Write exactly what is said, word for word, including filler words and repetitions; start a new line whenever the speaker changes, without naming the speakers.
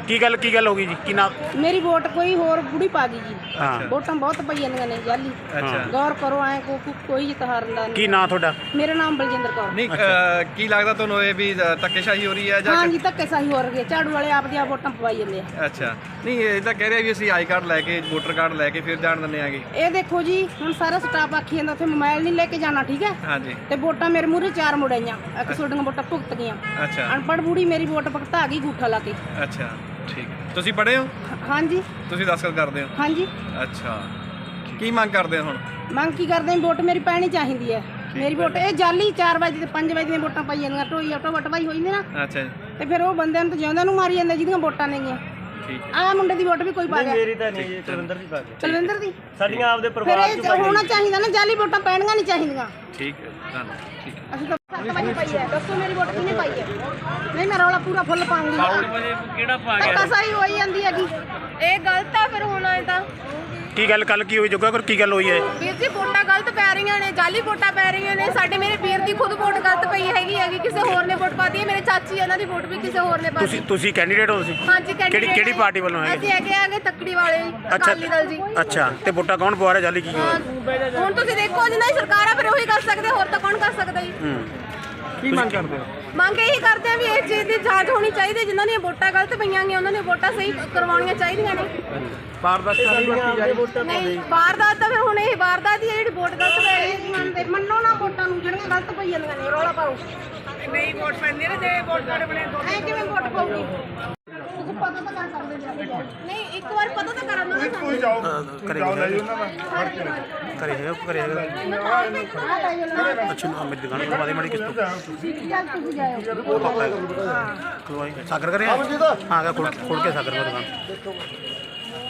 ਕੀ ਗੱਲ ਕੀ ਗੱਲ ਹੋ ਗਈ ਜੀ? ਕੀ ਨਾ
मेरी वोट कोई होर बुढ़ी पा गई जी।
हाँ।
वोटां बहुत पई जांदियां ने जाली।
अच्छा।
गौर करो ऐ को को- कोई इतहार दा
ਕੀ
नहीं।
ਨਾਂ ਤੁਹਾਡਾ?
मेरा नाम बलजिंदर कौर।
नहीं अ, की लगता ਤੁਹਾਨੂੰ ਇਹ ਵੀ ਧੱਕੇਸ਼ਾਹੀ ਹੋ ਰਹੀ ਹੈ ਜਾਂ
हाँ जी धक्के साही हो रही है, झाड़ू वाले आप दी वोटां पवाई जांदे आ।
ਅੱਛਾ ਨਹੀਂ ਇਹ ਤਾਂ ਕਹਿ ਰਿਹਾ ਵੀ ਅਸੀਂ ਆਈ ਕਾਰਡ ਲੈ ਕੇ ਵੋਟਰ ਕਾਰਡ ਲੈ ਕੇ ਫਿਰ ਜਾਣ ਦਿੰਦੇ ਆਗੇ।
ਇਹ ਦੇਖੋ ਜੀ ਹੁਣ ਸਾਰਾ ਸਟਾਫ ਆਖੀ ਜਾਂਦਾ ਉੱਥੇ ਮੋਬਾਈਲ ਨਹੀਂ ਲੈ ਕੇ ਜਾਣਾ, ਠੀਕ ਹੈ?
ਹਾਂਜੀ
ਤੇ ਵੋਟਾਂ ਮੇਰੇ ਮੂਹਰੇ ਚਾਰ ਮੁੜਾਈਆਂ, ਇੱਕ ਤੁਹਾਡੀਆਂ ਵੋਟਾਂ ਭੁਗਤ ਗਈਆਂ।
ਅੱਛਾ
ਅਨਪੜ੍ਹ ਬੁੜੀ ਮੇਰੀ ਵੋਟ ਭੁਗਤਾ ਗਈ ਗੂਠਾ ਲਾ ਕੇ।
ਅੱਛਾ ਠੀਕ ਹੈ। ਤੁਸੀਂ ਪੜ੍ਹੇ ਹੋ?
ਹਾਂਜੀ
ਤੁਸੀਂ ਦਸਖਤ ਕਰਦੇ ਹੋ?
ਹਾਂਜੀ।
ਅੱਛਾ ਕੀ ਮੰਗ ਕਰਦੇ ਹੋ ਹੁਣ?
ਮੰਗ ਕੀ ਕਰਦੇ ਆਂ? ਵੋਟ ਮੇਰੀ ਪੈਣੀ ਚਾਹੀਦੀ ਹੈ। ਮੇਰੀ ਵੋਟ ਇਹ ਜਾਲੀ ਚਾਰ ਵਜੇ ਤੇ ਪੰਜ ਵਜੇ ਦੀਆਂ ਵੋਟਾਂ ਪਾਈ ਜਾਂਦੀਆਂ, ਢੋਈ ਆਟੋ ਵਟਵਾਈ ਹੋਈ ਨੇ ਨਾ,
ਅੱਛਾ ਜੀ
ਤੇ ਫਿਰ ਉਹ ਬੰਦਿਆਂ ਨੂੰ ਤਾਂ ਜਿਉਂਦਿਆਂ ਨੂੰ ਮਾਰੀ ਜਾਂਦੇ ਜਿਹਦੀਆਂ ਵੋਟਾਂ ਨੇਗੀਆਂ।
ਠੀਕ ਹੈ।
ਆਹ ਮੁੰਡੇ ਦੀ ਵੋਟ ਵੀ ਕੋਈ ਪਾ ਗਿਆ।
ਮੇਰੀ ਤਾਂ ਨਹੀਂ ਜੀ, ਕੁਲਵਿੰਦਰ ਦੀ ਪਾ ਕੇ
ਕੁਲਵਿੰਦਰ ਦੀ
ਸਾਡੀਆਂ ਆਪਦੇ
ਫਿਰ
ਪਰਿਵਾਰ
ਇਹ
ਚ ਪਾਈ
ਹੋਣਾ ਚਾਹੀਦਾ ਨਾ, ਜਾਲੀ ਵੋਟਾਂ ਪੈਣੀਆਂ ਨਹੀਂ ਚਾਹੀਦੀਆਂ।
ਠੀਕ ਹੈ ਧੰਨਵਾਦ। ਠੀਕ ਹੈ।
ਅਸੀਂ ਤਾਂ ਸੱਤ ਵਜੇ ਪਾਈ ਹੈ, ਦੱਸੋ ਮੇਰੀ ਵੋਟ ਕਿਹਨੇ ਪਾਈ ਹੈ? ਨਹੀਂ ਮੈਂ ਰੌਲਾ ਪੂਰਾ ਫੁੱਲ ਪਾਉਂਗੀ।
ਕਿਹੜਾ ਪਾ
ਧੱਕਾ ਸਾਈ ਹੋਈ ਜਾਂਦੀ ਹੈਗੀ।
ਇਹ ਗਲਤ ਆ ਫਿਰ ਹੋਣਾ ਇਹ ਤਾਂ
ਕੀ ਗੱਲ ਕੱਲ ਕੀ ਹੋਈ ਜੋਗਾ ਕਰ ਕੀ ਗੱਲ ਹੋਈ ਹੈ?
ਵੀਰ ਜੀ ਵੋਟਾਂ ਗਲਤ ਪੈ ਰਹੀਆਂ ਨੇ, ਜਾਲੀ ਵੋਟਾਂ ਪੈ ਰਹੀਆਂ ਨੇ। ਸਾਡੇ ਮੇਰੇ ਵੀਰ ਦੀ ਖੁਦ ਵੋਟ ਗਲਤ ਪਈ ਹੈਗੀ ਹੈਗੀ, ਕਿਸੇ ਹੋਰ ਨੇ ਵੋਟ ਪਾਤੀ ਹੈ। ਮੇਰੇ ਚਾਚੀ ਇਹਨਾਂ ਦੀ ਵੋਟ ਵੀ ਕਿਸੇ ਹੋਰ ਨੇ ਪਾਤੀ।
ਤੁਸੀਂ ਤੁਸੀਂ ਕੈਂਡੀਡੇਟ ਹੋ ਤੁਸੀਂ?
ਹਾਂਜੀ
ਕਿਹੜੀ
candidate
ਕਿਹੜੀ ਪਾਰਟੀ ਵੱਲੋਂ ਹੈਗੇ?
ਅਸੀਂ ਹੈਗੇ ਆਗੇ ਤੱਕੜੀ ਵਾਲੇ ਜੀ,
ਅੱਛਾ
ਅਕਾਲੀ ਦਲ ਜੀ।
ਅੱਛਾ ਤੇ ਵੋਟਾਂ ਕੌਣ ਪਵਾ ਰਿਹਾ ਜਾਲੀ ਕੀ ਹੋਇਆ?
ਹੁਣ ਤੁਸੀਂ ਦੇਖੋ ਜਿੰਨਾ ਹੀ ਸਰਕਾਰ ਆ ਫਿਰ ਉਹੀ ਕਰ ਸਕਦੇ, ਹੋਰ ਤਾਂ ਕੌਣ ਕਰ ਸਕਦਾ ਜੀ?
ਹੂੰ
ਕੀ ਮੰਗ ਕਰਦੇ ਹੋ?
ਮੰਗ ਇਹੀ ਕਰਦੇ ਆ ਵੀ ਇਸ ਚੀਜ਼ ਦੀ ਜਾਂਚ ਹੋਣੀ ਚਾਹੀਦੀ, ਜਿਨ੍ਹਾਂ ਦੀਆਂ ਵੋਟਾਂ ਗਲਤ ਪਈਆਂ ਗਈਆਂ ਉਹਨਾਂ ਦੀਆਂ ਵੋਟਾਂ ਸਹੀ ਕਰਵਾਉਣੀਆਂ ਚਾਹੀਦੀਆਂ ਨੇ।
ਪਾਰਦਰਸ਼ਤਾ ਦੀ ਵਰਤੀ ਜਾ ਰਹੀ
ਨਹੀਂ ਵਾਰਦਾਤ ਤਾਂ ਫਿਰ ਹੁਣ ਇਹ ਵਾਰਦਾਤ ਹੀ ਹੈ ਜਿਹੜੀ ਵੋਟ ਗਲਤ ਪੈ ਰਹੀ ਹੈ।
ਮੰਨਦੇ ਮੰਨੋ ਨਾ ਵੋਟਾਂ ਨੂੰ ਜਿਹੜੀਆਂ ਗਲਤ ਪਈ ਜਾਂਦੀਆਂ ਨੇ, ਰੌਲਾ ਪਾਓ।
ਨਹੀਂ ਵੋਟ ਪੈਂਦੀ ਨੇ ਜੇ ਵੋਟ ਕਾਰਡ ਬਣੇ
ਐ ਕਿਵੇਂ ਵੋਟ ਪਾਉਗੀ? ਤੁਸੀਂ ਪਤਾ ਤਾਂ ਕਰ ਸਕਦੇ ਜੀ।
ਨਹੀਂ ਇੱਕ ਵਾਰ ਪਤਾ ਤਾਂ ਕਰਾਂ ਨਾ ਸਾਨੂੰ।
ਕਰੇ ਕਰੇ ਹੈਗਾ ਕਰੇ ਹੈਗਾ ਅੱਛਾ ਨਾ ਮੇਰੀ ਦੁਕਾਨ ਤੋਂ ਬਾਦੀ ਮਾੜੀ ਕਿਸ ਤੋਂ
ਚੱਲ ਤੁਸੀਂ ਜਾਇਓ।
ਪਾਪਾ ਹੈਗਾ ਖਲਵਾਈ ਸਾਗਰ ਕਰੇ ਹਾਂ ਗਾ ਖੋਲ ਖੋਲ ਕੇ ਸਾਗਰ ਦੀ ਦੁਕਾਨ